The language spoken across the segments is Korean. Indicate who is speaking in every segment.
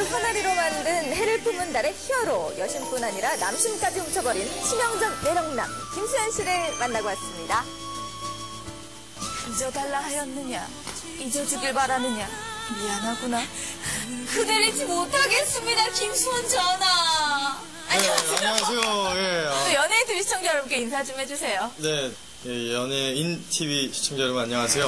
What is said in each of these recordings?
Speaker 1: 을 화나리로 만든 해를 품은 달의 히어로, 여심뿐 아니라 남심까지 훔쳐버린 치명적 매력남 김수현 씨를 만나고 왔습니다.
Speaker 2: 잊어달라 하였느냐, 잊어주길 바라느냐, 미안하구나. 그댈 잊지 못하겠습니다, 김수현 전하. 안녕하세요.
Speaker 3: 네, 안녕하세요. 예.
Speaker 2: 연예인 TV 시청자 여러분께 인사 좀 해주세요.
Speaker 3: 네, 예, 연예인 TV 시청자 여러분 안녕하세요.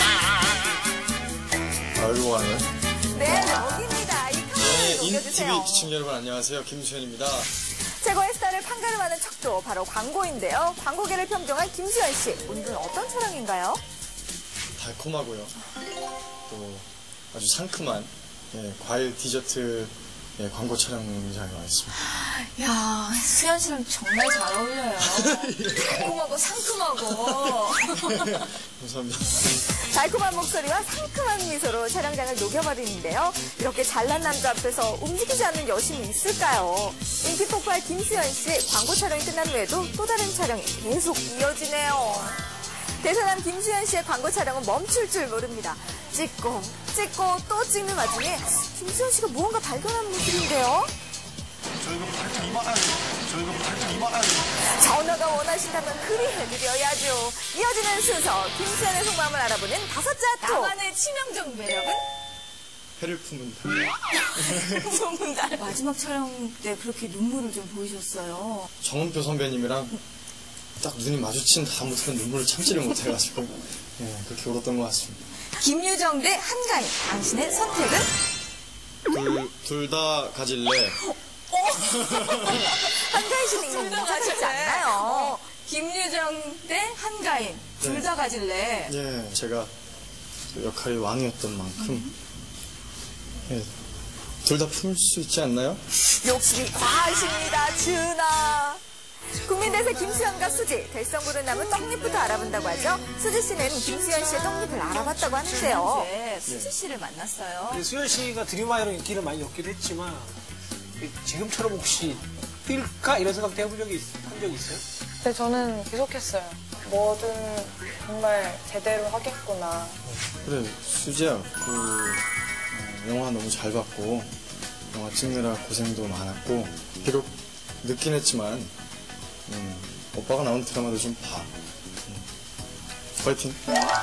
Speaker 3: 아이고 하네.
Speaker 1: 네, 여기입니다. 이 카메라를
Speaker 3: 연예인
Speaker 1: 넘겨주세요.
Speaker 3: TV 시청자 여러분 안녕하세요. 김수현입니다.
Speaker 1: 최고의 스타를 판가름하는 척도 바로 광고인데요. 광고계를 평정한 김수현 씨, 오늘은 어떤 촬영인가요?
Speaker 3: 달콤하고요. 또 아주 상큼한 과일 디저트 광고 촬영장에 와 있습니다.
Speaker 2: 야, 수현 씨랑 정말 잘 어울려요. 달콤하고 상큼하고.
Speaker 3: 감사합니다.
Speaker 1: 달콤한 목소리와 상큼한 미소로 촬영장을 녹여버리는데요. 이렇게 잘난 남자 앞에서 움직이지 않는 여심이 있을까요? 인기 폭발 김수현 씨, 광고 촬영이 끝난 후에도 또 다른 촬영이 계속 이어지네요. 대단한 김수현 씨의 광고 촬영은 멈출 줄 모릅니다. 찍고 또 찍는 와중에 김수현 씨가 무언가 발견하는 모습인데요.
Speaker 4: 저희가 발톱 이만하네.
Speaker 1: 전화가 원하신다면 그리 해드려야죠. 이어지는 순서, 김수현의 속마음을 알아보는 다섯째 아토.
Speaker 2: 나만의 치명적 매력은?
Speaker 3: 해를 품은
Speaker 2: 소문달. 마지막 촬영 때 그렇게 눈물을 좀 보이셨어요.
Speaker 3: 정은표 선배님이랑 딱 눈이 마주친 다음부터는 눈물을 참지를 못해가지고 그렇게 울었던 것 같습니다.
Speaker 2: 김유정 대 한가인, 당신의 선택은?
Speaker 3: 둘 다 가질래.
Speaker 1: 한가인 씨는 이거 괜찮지 않나요?
Speaker 2: 김유정 대 한가인, 둘 다 가질래.
Speaker 3: 예, 제가 그 역할이 왕이었던 만큼 둘 다 품을 수 있지 않나요?
Speaker 1: 욕심이 과하십니다, 준아. 국민대세 김수현과 수지, 될성부른 나무 떡잎부터 알아본다고 하죠. 수지 씨는 김수현 씨의 떡잎을 알아봤다고 하는데요.
Speaker 2: 이제 수지 씨를 만났어요.
Speaker 5: 수현 씨가 드림아이로 인기를 많이 얻기도 했지만 지금처럼 혹시 뛸까 이런 생각도 해본 적이 있어요?
Speaker 6: 네, 저는 계속했어요. 뭐든 정말 제대로 하겠구나.
Speaker 3: 그래, 수지야, 영화 너무 잘 봤고, 영화 찍느라 고생도 많았고, 비록 늦긴 했지만, 오빠가 나온 드라마도 좀 봐. 파이팅!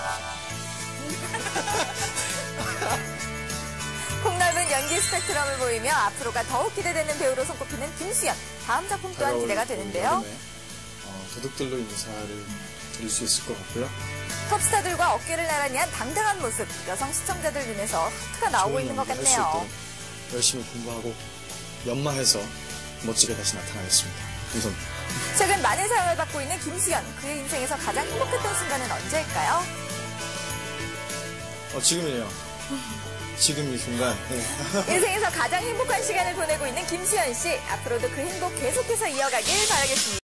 Speaker 1: 폭넓은 연기 스펙트럼을 보이며 앞으로가 더욱 기대되는 배우로 손꼽히는 김수현. 다음 작품 또한 기대가 되는데요.
Speaker 3: 도둑들로 인사를 드릴 수 있을 것 같고요.
Speaker 1: 톱스타들과 어깨를 나란히 한 당당한 모습. 여성 시청자들 눈에서 하트가 나오고 있는 것
Speaker 3: 할수
Speaker 1: 같네요.
Speaker 3: 있도록 열심히 공부하고 연마해서 멋지게 다시 나타나겠습니다. 감사합니다.
Speaker 1: 최근 많은 사랑을 받고 있는 김수현. 그의 인생에서 가장 행복했던 순간은 언제일까요?
Speaker 3: 지금이에요. 지금 이 순간.
Speaker 1: 인생에서 가장 행복한 시간을 보내고 있는 김수현 씨. 앞으로도 그 행복 계속해서 이어가길 바라겠습니다.